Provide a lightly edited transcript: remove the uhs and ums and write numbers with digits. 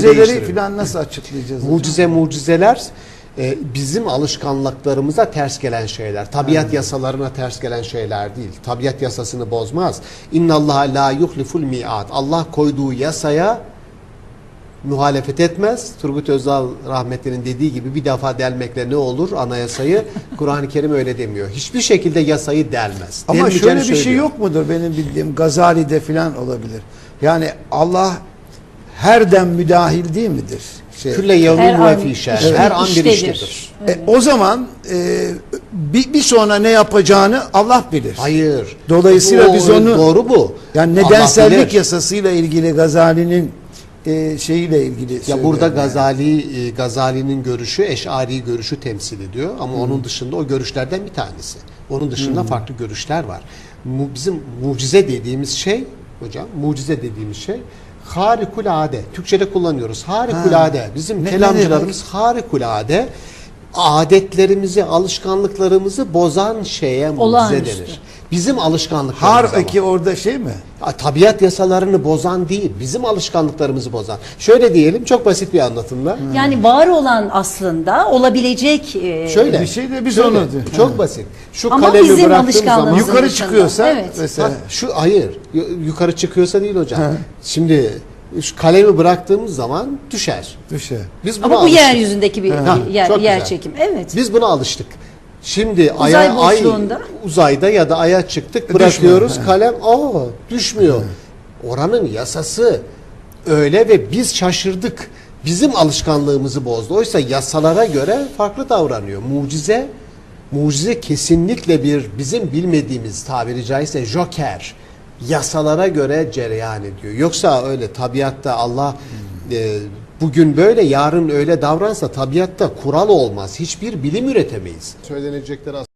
mucizeleri değiştirelim. falan nasıl açıklayacağız? Mucizeler bizim alışkanlıklarımıza ters gelen şeyler. Tabiat yasalarına ters gelen şeyler değil. Tabiat yasasını bozmaz. İnnallaha la yuhliful mi'at. Allah koyduğu yasaya muhalefet etmez. Turgut Özal rahmetlinin dediği gibi bir defa delmekle ne olur anayasayı? Kur'an-ı Kerim öyle demiyor. Hiçbir şekilde yasayı delmez. Ama Delmeyeceğini şöyle bir şey söylüyor. yok mudur benim bildiğim? Gazali'de falan olabilir. Yani Allah her dem müdahil değil midir? Külle yevmin ve fî şer. Her an bir iştedir. O zaman bir sonra ne yapacağını Allah bilir. Hayır. Dolayısıyla biz onu doğru bu. yani Allah nedensellik bilir. yasasıyla ilgili Gazali'nin şeyiyle ilgili Ya burada yani. Gazali'nin görüşü Eş'ari görüşü temsil ediyor ama onun dışında o görüşlerden bir tanesi. Onun dışında farklı görüşler var. Bizim mucize dediğimiz şey hocam, mucize dediğimiz şey harikulade. Türkçede kullanıyoruz. Harikulade. Bizim kelamcılarımız harikulade adetlerimizi, alışkanlıklarımızı bozan şeye mucize denir. Bizim alışkanlıklarımız Harpeki orada şey mi? tabiat yasalarını bozan değil, bizim alışkanlıklarımızı bozan. Şöyle diyelim, çok basit bir anlatımla. Yani var olan aslında olabilecek Şöyle. Bir şey de biz şöyle, onu çok basit. Şu ama kalemi bizim bıraktığım zaman alışkanlığımızın yukarı dışında. çıkıyorsa Evet. mesela hayır, yukarı çıkıyorsa değil hocam. Şimdi şu kalemi bıraktığımız zaman düşer. düşe. Biz buna Ama bu alıştık. yeryüzündeki bir çok güzel. yer çekim. Evet. Biz buna alıştık. Şimdi Uzay boşluğunda. uzayda ya da aya çıktık, bırakıyoruz kalem düşmüyor. Oranın yasası öyle ve biz şaşırdık. Bizim alışkanlığımızı bozdu. Oysa yasalara göre farklı davranıyor. Mucize kesinlikle bir bizim bilmediğimiz tabiri caizse joker. Yasalara göre cereyan ediyor. Yoksa öyle tabiatta Allah bugün böyle yarın öyle davransa tabiatta kural olmaz. Hiçbir bilim üretemeyiz. Söylenecekler